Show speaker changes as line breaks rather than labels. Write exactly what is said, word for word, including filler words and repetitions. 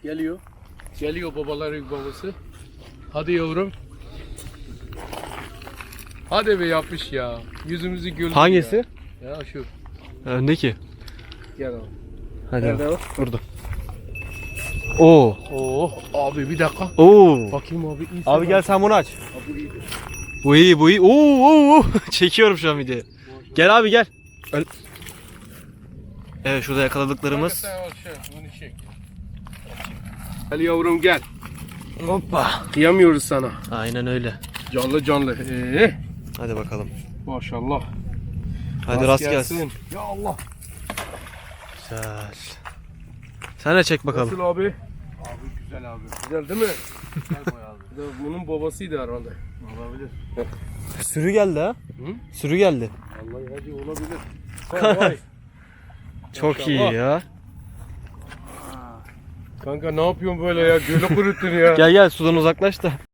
Geliyor. Geliyor babaların babası. Hadi yavrum. Hadi be yapmış ya. Yüzümüzü güldü.
Hangisi?
Ya, ya şu.
Öndeki.
Gel abi.
Hadi.
Nerede o?
Burada. Oo.
Oo abi bir dakika.
Oo.
Bakayım abi. iyi
Abi
sen
gel
bak.
sen bunu aç.
Abi iyi.
Bu iyi, bu iyi. Oo, oo, oo. Çekiyorum şu an videoyu. Gel abi gel. Öl- Evet, şurada yakaladıklarımız.
Sen al şey, bunu çek. Gel yavrum gel.
Hoppa.
Kıyamıyoruz sana.
Aynen öyle.
Canlı canlı. Ee,
Hadi bakalım.
maşallah.
Hadi rast gelsin.
Ya Allah.
Güzel. Sen de çek bakalım.
Nasıl abi? Abi güzel abi. Güzel değil mi? Güzel bayağı abi. Bunun babasıydı herhalde. Olabilir.
Sürü geldi ha.
Hı?
Sürü geldi.
Vallahi hacı olabilir. Vay vay.
Çok iyi
Maşallah.
ya.
Kanka ne yapıyorsun böyle ya? Gölü kuruttun ya.
Gel gel sudan uzaklaş da.